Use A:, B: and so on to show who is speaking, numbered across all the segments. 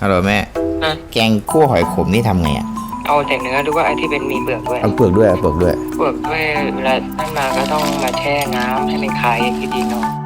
A: ฮัลโหลแม่แกงคั่วหอยขมนี่ทำไงอ่ะ
B: เอาแต่เนื้อหรือว่าไอ้ที่เป็นมีเปลือกด้วย
A: เอาเปลือกด้วยเปลือกด้วย
B: เปลือกด้วยเวลานั่นมาก็ต้องมาแช่น้ำให้มันคลายดีๆหน่อย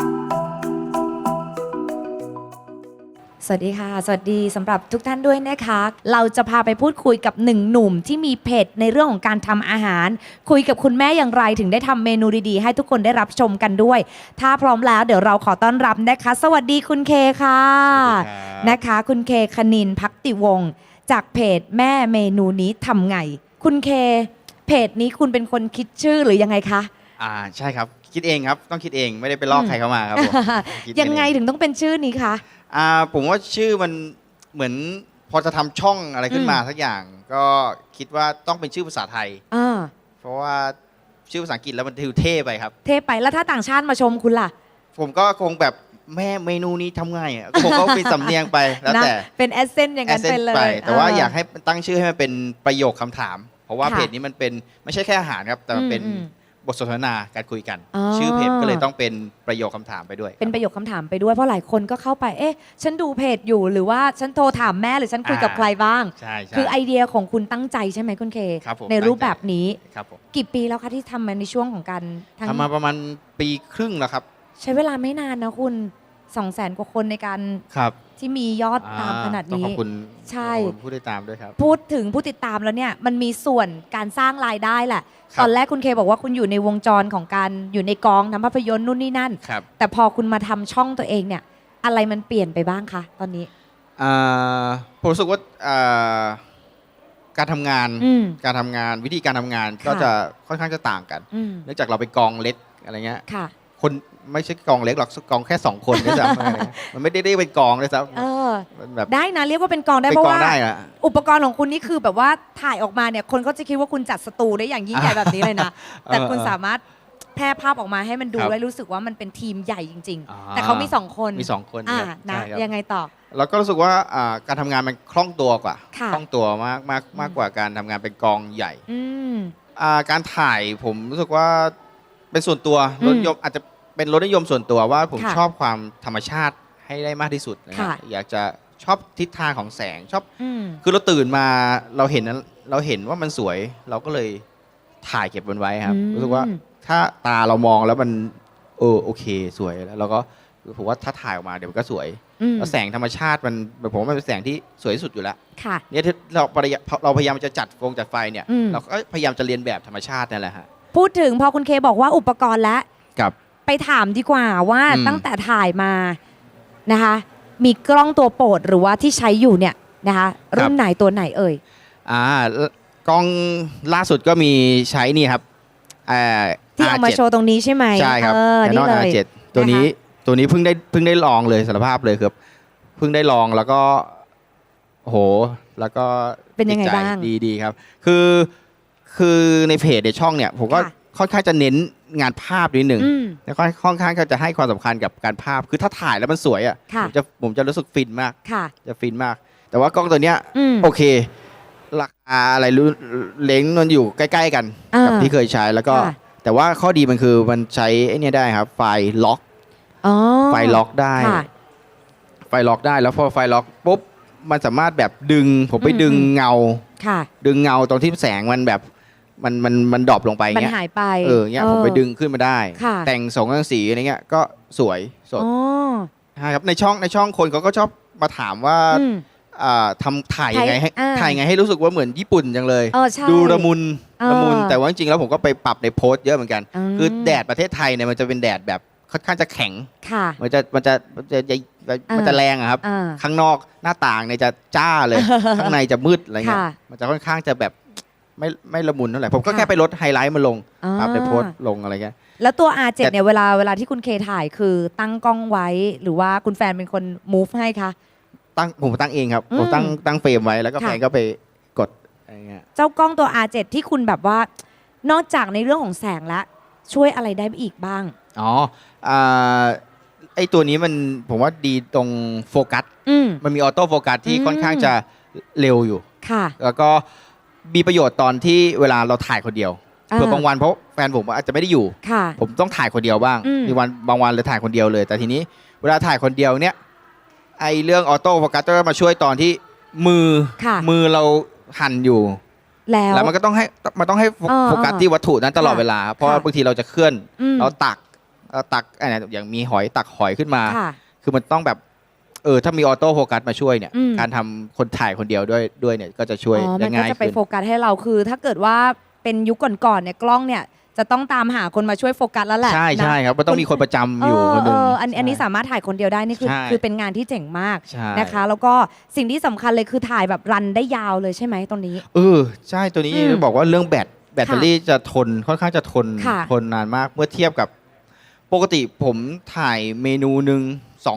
C: สวัสดีค่ะสวัสดีสำหรับทุกท่านด้วยนะคะเราจะพาไปพูดคุยกับหนึ่งหนุ่มที่มีเพจในเรื่องของการทำอาหารคุยกับคุณแม่อย่างไรถึงได้ทำเมนูดีๆให้ทุกคนได้รับชมกันด้วยถ้าพร้อมแล้วเดี๋ยวเราขอต้อนรับนะคะสวัสดีคุณเคค่ะนะคะคุณเคคณินภักติวงศ์จากเพจแม่เมนูนี้ทำไงคุณเคเพจนี้คุณเป็นคนคิดชื่อหรือยังไงคะ
A: ใช่ครับคิดเองครับต้องคิดเองไม่ได้ไปลอกใครเข้ามาครับผม
C: ยังไงถึงต้องเป็นชื่อนี้คะ
A: ผมว่าชื่อมันเหมือนพอจะทำช่องอะไรขึ้นมาสักอย่างก็คิดว่าต้องเป็นชื่อภาษาไทยเพราะว่าชื่อภาษาอังกฤษแล้วมันดูเท่ไปครับ
C: เท่ไปแล้วถ้าต่างชาติมาชมคุณล่ะ
A: ผมก็คงแบบแม่เมนูนี้ทำไงอ่ะผมก็เป็นสำเนียงไปแล้วแต่
C: เป็นแอสเซนต์อย่างนั้นไปเลย
A: แต่ว่าอยากให้ตั้งชื่อให้มันเป็นประโยคคำถามเพราะว่าเพจนี้มันเป็นไม่ใช่แค่อาหารครับแต่มันเป็นบทสนทนาการคุยกันชื่อเพจก็เลยต้องเป็นประโยคคำถามไปด้วย
C: เป็นประโยคคำถามไปด้วยเพราะหลายคนก็เข้าไปเอ๊ะฉันดูเพจอยู่หรือว่าฉันโทรถามแม่หรือฉันคุยกับใครบ้าง
A: ใช่
C: คือไอเดียของคุณตั้งใจใช่ไหมคุณเคในรูปแบบนี้กี่ปีแล้วคะที่ทำมาในช่วงของการ
A: ทำมาประมาณปีครึ่งแล้วครับ
C: ใช้เวลาไม่นานนะคุณ200,000 กว่าคนในการที่มียอดตามขนาดนี้
A: ขอบคุณ
C: ใช่
A: ผู้ติดตามด้วยครับ
C: พูดถึงผู้ติดตามแล้วเนี่ยมันมีส่วนการสร้างรายได้แหละตอนแรกคุณเคบอกว่าคุณอยู่ในวงจรของการอยู่ในกองทำภาพยนตร์นู่นนี่นั่นแต่พอคุณมาทำช่องตัวเองเนี่ยอะไรมันเปลี่ยนไปบ้างคะตอนนี้
A: ผมรู้สึกว่าการทำงานวิธีการทำงานก็จะค่อนข้างจะต่างกันเนื่องจากเราเป็นกองเล็กอะไรเงี้ยคนไม่ใช่กองเล็กหรอกกองแค่2 คนด้วยซ้ำมันไม่ได้เป็นกองด้วยซ้ำ
C: แบบได้นะเรียกว่าเป็นกองได้เพราะว่าอุปกรณ์ของคุณนี่คือแบบว่าถ่ายออกมาเนี่ยคนก็จะคิดว่าคุณจัดสตูได้อย่างยิ่งใหญ่แบบนี้เลยนะแต่คุณสามารถแพร่ภาพออกมาให้มันดูได้รู้สึกว่ามันเป็นทีมใหญ่จริงๆแต่เขามี2 คนนะยังไงต่อ
A: เราก็รู้สึกว่าการทำงานมันคล่องตัวกว่าคล่องตัวมากกว่าการทำงานเป็นกองใหญ่การถ่ายผมรู้สึกว่าเป็นส่วนตัวรถยนต์อาจจะเป็นรสนิยมส่วนตัวว่าผมชอบความธรรมชาติให้ได้มากที่สุดนะอยากจะชอบทิศทางของแสงชอบคือเราตื่นมาเราเห็นว่ามันสวยเราก็เลยถ่ายเก็บมันไว้ครับรู้สึกว่าถ้าตาเรามองแล้วมันโอเคสวยแล้วเราก็ผมว่าถ้าถ่ายออกมาเดี๋ยวมันก็สวยแล้วแสงธรรมชาติมันผมว่ามันเป็นแสงที่สวยที่สุดอยู่แล้วเนี่ยเราพยายามจะจัดไฟเนี่ยเราก็พยายามจะเรียนแบบธรรมชาตินั่นแหละฮะ
C: พูดถึงพอคุณเคบอกว่าอุปกรณ์แล้วไปถามดีกว่าว่าตั้งแต่ถ่ายมานะคะมีกล้องตัวโปรดหรือว่าที่ใช้อยู่เนี่ยนะคะรุ่นไหนตัวไหนเอ่ย
A: กล้องล่าสุดก็มีใช้นี่ครับ
C: ที่เอามาโชว์ตรงนี้ใช่ไหม
A: ใช่ครับ
C: นี่เลย
A: R7ตัวนี้เพิ่งได้ลองเลยสารภาพเลยครับเพิ่งได้ลองแล้วก็โหแล้วก็
C: เป็นยังไงบ้าง
A: ดีครับคือในเพจในช่องเนี่ยผมก็ค่อนข้างจะเน้นงานภาพนิดหนึ่งแล้วก็ค่อนข้างจะให้ความสำคัญกับการภาพคือถ้าถ่ายแล้วมันสวยอ่ะผมจะรู้สึกฟินมากจะฟินมากแต่ว่ากล้องตัวเนี้ยโอเคราคาอะไรเล้งมันอยู่ใกล้ๆกันกับที่เคยใช้แล้วก็แต่ว่าข้อดีมันคือมันใช้ไอ้นี่ได้ครับไฟล็อกได้แล้วพอไฟล็อกปุ๊บมันสามารถแบบผมไปดึงเงาตรงที่แสงมันแบบมันดรอปลงไปเงี้ย
C: มันหายไป
A: เงี้ยผมไปดึงขึ้นมาได้แต่งสีอะไรเงี้ยก็สวยสดใช่ครับในช่องคนเขาก็ชอบมาถามว่าถ่ายยังไงให้รู้สึกว่าเหมือนญี่ปุ่นจังเลยดูละมุนแต่ว่าจริงๆแล้วผมก็ไปปรับในโพสต์เยอะเหมือนกันคือแดดประเทศไทยเนี่ยมันจะเป็นแดดแบบค่อนข้างจะแข็งมันจะแรงอะครับข้างนอกหน้าต่างเนี่ยจะจ้าเลยข้างในจะมืดอะไรเงี้ยมันจะค่อนข้างจะแบบไม่ละมุนเท่าไหร่ผมก็แค่ไปลดไฮไลท์มาลงปรับในโพสต์ลงอะไรเงี้ย
C: แล้วตัว R7 เนี่ยเวลาที่คุณเคถ่ายคือตั้งกล้องไว้หรือว่าคุณแฟนเป็นคน move ให้คะ
A: ผมตั้งเองครับผมตั้งเฟรมไว้แล้วก็แฟนก็ไปกดอะไรเงี้ย
C: เจ้ากล้องตัว R7 ที่คุณแบบว่านอกจากในเรื่องของแสงแล้วช่วยอะไรได้อีกบ้าง
A: ไอตัวนี้มันผมว่าดีตรงโฟกัสมันมีออโต้โฟกัสที่ค่อนข้างจะเร็วอยู่แล้วก็มีประโยชน์ตอนที่เวลาเราถ่ายคนเดียวเผื่อบางวันเพราะแฟนผมอาจจะไม่ได้อยู่ผมต้องถ่ายคนเดียวบ้างมีวันบางวันเลยถ่ายคนเดียวเลยแต่ทีนี้เวลาถ่ายคนเดียวเนี่ยไอเรื่องออโต้โฟกัสก็มาช่วยตอนที่มือ
C: ค่ะ
A: มือเราหั่นอยู่
C: แล้ว
A: มันก็ต้องให้โฟกัส
C: เออ
A: ที่วัตถุนั้นตลอด
C: ค่ะ
A: เวลา เพราะว่า
C: ค่ะ
A: บางทีเราจะเคลื่อน
C: ม
A: เราตักอะไรอย่างมีหอยตักหอยขึ้นมา
C: ค่ะ
A: คือมันต้องแบบถ้ามีออโต้โฟกัสมาช่วยเนี่ย
C: อืม
A: การทำคนถ่ายคนเดียวด้วยเนี่ยก็จะช่วย
C: อ๋อ
A: ได้
C: มันก็
A: ง่าย
C: จะไป
A: ขึ้น
C: โฟกัสให้เราคือ ถ้าเกิดว่าเป็นยุคก่อนๆเนี่ยกล้องเนี่ยจะต้องตามหาคนมาช่วยโฟกัสแล้วแหละ
A: ใช่
C: นะ
A: ใช่ครับมันต้องมีคนประจำอยู่คนหนึ่ง
C: อันนี้สามารถถ่ายคนเดียวได้นี่คือ
A: ใช่
C: คือเป็นงานที่เจ๋งมาก
A: ใช่
C: นะคะ แล้วก็สิ่งที่สำคัญเลยคือถ่ายแบบรันได้ยาวเลยใช่ไหมตรงนี้
A: ใช่ตัวนี้
C: อืม
A: บอกว่าเรื่องแบตเตอรี่จะทนค่อนข้างจะทน
C: ค่ะ
A: ทนนานมากเมื่อเทียบกับปกติผมถ่ายเมนูหนึ่ง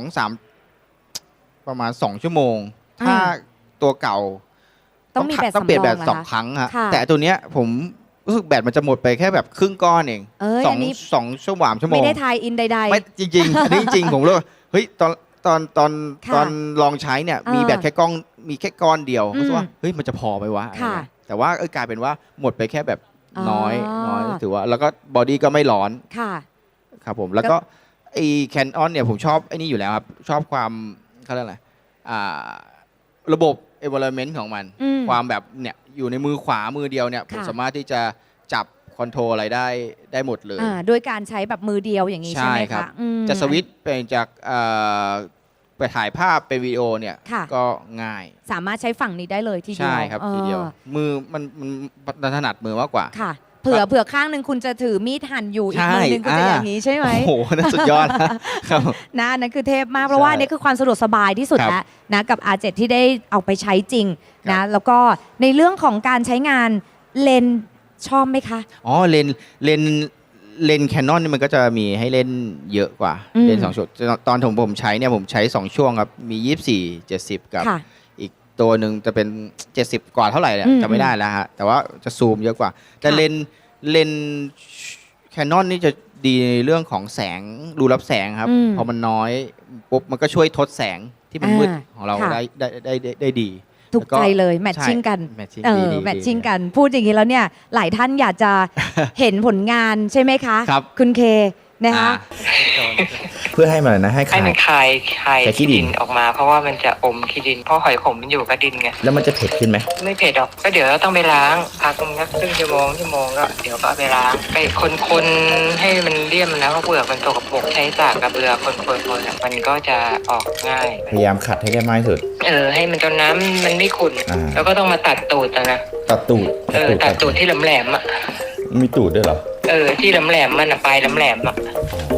A: 2-3 ประมาณ2 ชั่วโมง ถ้าตัวเก่า
C: ต้องมีแบต
A: ต้องเปลี่ยน
C: สำร
A: แบ
C: อง
A: ต
C: เหรอ
A: สอง
C: คะ
A: ครั้งฮะ
C: ค่ะ
A: แต่ตัวเนี้ยผมรู้สึกแบตมันจะหมดไปแค่แบบครึ่งก้อนเอง
C: เอ้ย
A: สอ
C: อั
A: ง
C: นนี้
A: ชั่วโมง
C: ไม่ได้ทายอินใด
A: ไม่จริงๆ อันนี้จริงๆผมรู้ว่าเฮ้ย
C: ค่ะ
A: ตอนลองใช้เนี่ย มีแบตแค่ก้อนเดียว
C: อืม
A: รู้สึกว่าเฮ้ยมันจะพอไหมวะ
C: ค่ะ
A: อะไรเงี้ยแต่ว่ากลายเป็นว่าหมดไปแค่แบบน้อย
C: อ๋อ
A: ถือว่าแล้วก็บอดี้ก็ไม่ร้อน
C: ๆ ค่ะ
A: ครับผมแล้วก็ไอ้แคนออนเนี่ยผมชอบไอ้นี่อยู่แล้วครับ ชอบความเขาเรียกอะไรระบบ environment ของมัน
C: อืม
A: ความแบบเนี่ยอยู่ในมือขวามือเดียวเนี่ยผม
C: ค่ะ
A: สามารถที่จะจับคอนโทรลอะไรได้หมดเลย
C: ด้วยการใช้แบบมือเดียวอย่างนี้ใช่ไหม
A: ใช่ครั
C: คะ
A: บ
C: อืม
A: จะสวิตช์เป็นจากไปถ่ายภาพเป็นวิดีโอเนี่ย
C: ค่ะ
A: ก็ง่าย
C: สามารถใช้ฝั่งนี้ได้เลยทีเดียว
A: ใช่ครับทีเดียว มือมันถนัดมือมากกว่า
C: ค่ะ เผื่อข้างหนึ่งคุณจะถือมีดหั่นอยู่อีก
A: ใช่
C: มือหนึ่งก็จะอย่างนี้ใช่ไหม
A: โอ้โหนั่นสุดยอดนะครับ
C: นะอันนั่นคือเทพมากเพราะว่า
A: ใช่
C: อันนี่คือความสะดวกสบายที่สุด
A: ครับ
C: แล้วนะกับ R7 ที่ได้เอาไปใช้จริง
A: ครั
C: นะ
A: บ
C: แล้วก็ในเรื่องของการใช้งานเลนส์ชอบไหมคะ
A: อ๋อเลนแคนนอนนี่มันก็จะมีให้เล่นเยอะกว่า
C: อืม
A: เลน2 ช่วงตอนผมใช้เนี่ยผมใช้ 2 ช่วงครับ มี 24 70 กับ
C: ค่ะ
A: อีกตัวหนึ่งจะเป็น 70 กว่าเท่าไหร่เนี่ย
C: อืม
A: จำไม่ได้แล้วฮะแต่ว่าจะซูมเยอะกว่า แต่
C: ค่ะ
A: เลนแคนนอนนี่จะดีในเรื่องของแสงรูรับแสงครับ
C: อืม
A: พอมันน้อยปุ๊บมันก็ช่วยทดแสงที่มันมืดของเรา
C: ค่ะ
A: ได้ดี
C: ถูกใจเลยแมทชิ่งกัน
A: แมทชิ่ง
C: เอ
A: ดี
C: อ
A: ดี
C: แมทชิ่งกันพูดอย่างนี้แล้วเนี่ยหลายท่านอยากจะ เห็นผลงานใช่ไหมคะ
A: ครับ
C: คุณเคนะคะ
A: เพื่อให้มันนะให้
B: ให้มันคาย
A: คายขี้
B: ขี้
A: ดิ
B: ดิ
A: น
B: นออกมา เพราะว่ามันจะอมขี้ดินเพราะหอยขมมันอยู่กับดินไง
A: แล้วมันจะเผ็ดขึ้นไหม
B: ไม่เผ็ดหรอกก็เดี๋ยวเราต้องไปล้างพักสักครึ่งชั่วโมงก็เดี๋ยวก็เอาไปล้างไปคนให้มันเลี่ยมนะเพราะเปลือกมันตกปรกใช้สากกระเบือคนอะมันก็จะออกง่าย
A: พยายามขัดให้ได้มากที่สุด
B: ให้มันจนน้ำมันไม่ขุ่น
A: อ่า
B: แล้วก็ต้องมาตัดตูดนะ
A: ตัดตูด
B: ตัดตูดที่แหลมๆอ่ะ
A: มีตูดด้วยเหรอ
B: ที่แหลมๆมันอะปลายแหลมๆอ่ะ
A: อ๋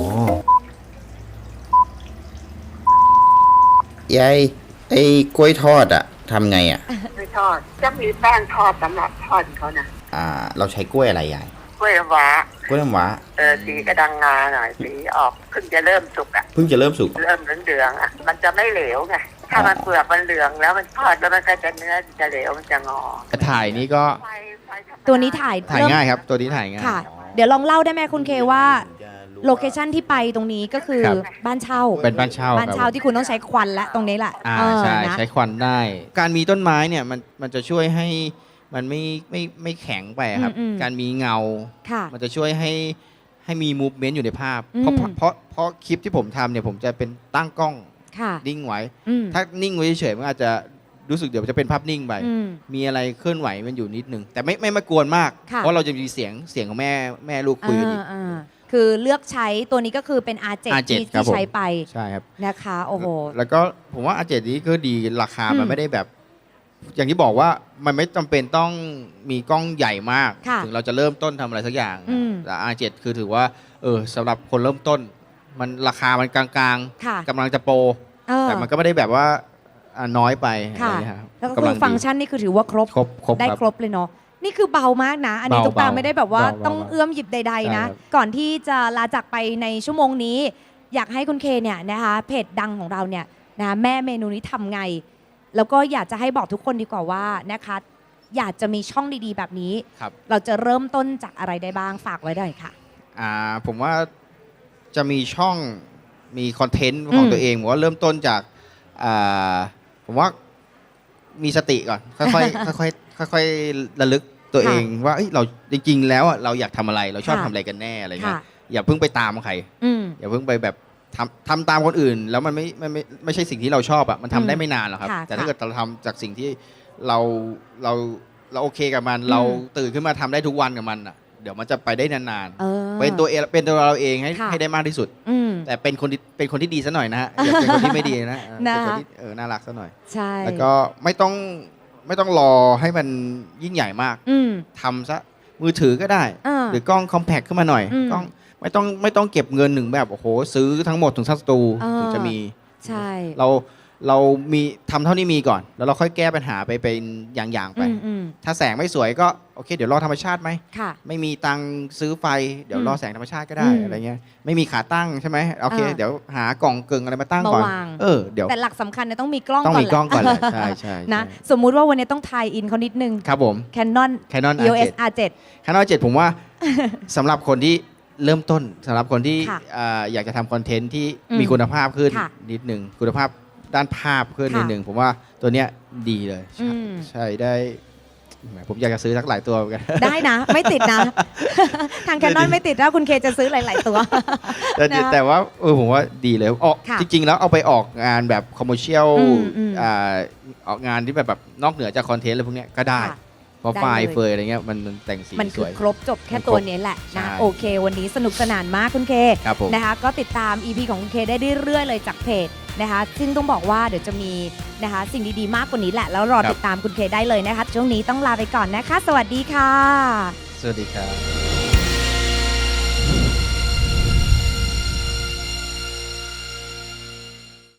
A: อยายไอ้กล้วยทอดอะทำไงอะ
D: ไม่ทอดจะมีแป้งทอดสำหรับทอดเขานะ
A: เราใช้กล้วยอะไรยาย
D: กล้วยน้ำว้าก
A: ล้วยน้ำว้า
D: สีกระดังงาหน่อยสีออกเพิ่งจะเริ่มสุกอ่ะ
A: เพิ่งจะเริ่มสุก
D: เริ่มเหลืองๆอ่ะมันจะไม่เหลวไงถ้ามันเปลือกมันเหลืองแล้วมันทอดแล้วมันก็จะเนื้อจะเหลวมันจะงอ
A: ถ่ายนี้ก็
D: ไฟธรรมดา
C: ตัวนี้ถ่าย
A: ถ่าย
C: เริ่ม
A: ง่ายครับ ตัวนี้ถ่ายง่าย
C: ค่ะ เดี๋ยวลองเล่าได้ไหมคุณเคว่าโลเคชันที่ไปตรงนี้ก็คือ
A: ครับ
C: บ้านเช่า
A: เป็นบ้านเช่า
C: บ้านเช่าที่คุณต้องใช้ควันและตรงนี้แหละ
A: ใช่
C: นะ
A: ใช้ควันได้ การมีต้นไม้เนี่ยมันจะช่วยให้มันไม่แข็งไปครับ การมีเงา
C: ค่ะ
A: มันจะช่วยให้มีมูฟเมนต์อยู่ในภาพ
C: อืม
A: เพราะคลิปที่ผมทำเนี่ยผมจะเป็นตั้งกล้อง
C: ค่ะ
A: นิ่งไว้
C: อืม
A: ถ้านิ่งไว้เฉยๆมันอาจจะรู้สึกเดี๋ยวจะเป็นภาพนิ่งไป
C: อืม
A: มีอะไรเคลื่อนไหวมันอยู่นิดนึง แต่ไม่มากวนมาก
C: ค่ะ
A: เพราะเราจะมีเสียงของแม่ลูกคุยกันอีก
C: อ่าคือเลือกใช้ตัวนี้ก็คือเป็น R7
A: R7
C: ที่
A: ครับผม
C: ใช้ไป
A: ใช่ครับ
C: นะคะ โอ้โห
A: แล้วก็ผมว่าอาเจนี้ก็ดีราคา
C: อื
A: มัน
C: ม
A: ไม่ได้แบบ อย่างที่บอกว่ามันไม่จำเป็นต้องมีกล้องใหญ่มาก
C: ค่ะ
A: ถึงเราจะเริ่มต้นทำอะไรสักอย่าง
C: อืม
A: แต่ R7 คือถือว่าสำหรับคนเริ่มต้น มันราคามันกลาง
C: ค่ะ
A: ๆกำลังจะโปร
C: เออ
A: แต่มันก็ไม่ได้แบบว่าน้อยไป
C: ค่ะ
A: อะไรเงี้ยรับ
C: แล้วก็
A: กำ
C: คื
A: ลั
C: อฟังก์ชันนี่คือถือว่าครบ
A: ครบ
C: ได้
A: ครับ
C: ครบเลยเนาะนี่คือเบามากนะ อันนี้
A: เบา
C: ตุ๊กตา
A: เบา
C: ไม่ได้แบบว่า
A: เบา
C: ต้อง
A: เบา
C: เอื้อมหยิบใด ๆ นะ
A: ใช่ครับ
C: ก่อนที่จะลาจากไปในชั่วโมงนี้ อยากให้คุณเคเนี่ยนะคะเพจดังของเราเนี่ยนะแม่เมนูนี้ทำไง แล้วก็อยากจะให้บอกทุกคนดีกว่าว่านะคะอยากจะมีช่องดีๆ แบบนี้
A: ครับ
C: เราจะเริ่มต้นจากอะไรได้บ้างฝากไว้ได้ค่ะ
A: ผมว่าจะมีช่องมีคอนเทนต์ของ
C: อืม
A: ตัวเองผมว่าเริ่มต้นจากผมว่ามีสติก่อน ค่อยๆ ค่อยๆระลึกตัวเองว่าเอ้ยเราจริงๆแล้วอะเราอยากทำอะไรเราชอบ
C: ค่ะ
A: ทำอะไรกันแน่อะไรเงี้
C: ค่ะ
A: ยอย่าเพิ่งไปตามใคร
C: อืม
A: อย่าเพิ่งไปแบบทำตามคนอื่น แล้วมันไม่ใช่สิ่งที่เราชอบอะมันทำได้ไม่นานหรอกครับ
C: ค่ะ
A: แต่ถ้า
C: ค่ะ
A: เกิดเราทำจากสิ่งที่เราเราโอเคกับมัน เราตื่นขึ้นมาทำได้ทุกวันกับมันอะเดี๋ยวมันจะไปได้นาน
C: เออ
A: ๆเป็นตัวเราเองให้
C: ค่ะ
A: ให้ได้มากที่สุด
C: อืม
A: แต่เป็นคนที่ดีซะหน่อยนะฮะอย่าเป็นคนที่ไม่ดีนะเป็นคนที่น่ารักซะหน่อย
C: ใช่
A: แล้วก็ไม่ต้องรอให้มันยิ่งใหญ่มาก
C: อืม
A: ทำซะมือถือก็ได้ หรือกล้องคอมแพคขึ้นมาหน่อย
C: อืม
A: กล้องไม่ต้องเก็บเงินหนึ่งแบบโอ้โหซื้อทั้งหมดถึงสตู ถึงจะมี
C: ใช่
A: เรามีทำเท่านี้มีก่อน แล้วเราค่อยแก้ปัญหาไปเป็นอย่างๆไป
C: อืม
A: ถ้าแสงไม่สวยก็โอเค เดี๋ยวรอธรรมชาติไหม
C: ค่ะ
A: ไม่มีตังค์ซื้อไฟเดี๋ยวรอแสงธรรมชาติก็ได้
C: อืม
A: อะไรเงี้ยไม่มีขาตั้งใช่ไหมโอเค เดี๋ยวหากล่องกึ่งอะไรมาตั้งก่อน
C: มาวาง
A: เดี๋ยว
C: แต่หลักสำคัญเนี่ยต้องมีกล้อง
A: ต้อง
C: ก่อน
A: มีกล้องก่อนแหละ
C: แหละ
A: ใช่ใช่
C: นะสมมุติว่าวันนี้ต้องทายอินเขานิดนึง
A: ครับผม
C: Canon
A: Canon
C: EOS
A: R7
C: R7
A: Canon R7 ผมว่า สำหรับคนที่เริ่มต้นสำหรับคนที่
C: ค่ะ
A: อยากจะทำคอนเทนต์ที่
C: อืม
A: มีคุณภาพขึ้น
C: ค่ะ
A: นิดหนึ่งคุณภาพด้านภาพขึ้น
C: ค่ะ
A: นิดหนึ่งผมว่าตัวเนี้ยดีเลย
C: อืม
A: ใช่ได้แหมผมอยากจะซื้อสักหลายตัวเหมือนกัน
C: ได้นะ ไม่ติดนะ ทาง Canon ไม่ติดถ้าคุณเคจะซื้อหลาย ๆ ตัว นะคะ
A: แต่ว่าผมว่าดีเลยออก
C: ค่ะ
A: จริง ๆ แล้วเอาไปออกงานแบบคอมเมอร์เชียล
C: อืม
A: ออกงานที่แบบนอกเหนือจากคอนเทนต์อะไรพวกเนี้ยก็ได้
C: ค่ะ
A: เพราะ
C: ได้
A: ไฟล์
C: เลย
A: เฟยอะไรเงี้ยมันแต่งสี
C: มัน
A: ส
C: คือ
A: วย
C: ครบจบแค่
A: มันครบ
C: ตัวนี้แหละ
A: ใช่
C: นะโอเค วันนี้สนุกสนานมากคุณเค
A: ครับผม
C: นะคะก็ติดตาม EP ของคุณเคได้เรื่อยๆเลยจากเพจนะคะซึ่งต้องบอกว่าเดี๋ยวจะมีนะคะสิ่งดีๆมากกว่านี้แหละ แล้วรอติดตามคุณเคได้เลยนะคะ ช่วงนี้ต้องลาไปก่อนนะคะ สวัสดีค่ะ
A: สวัสดีครับ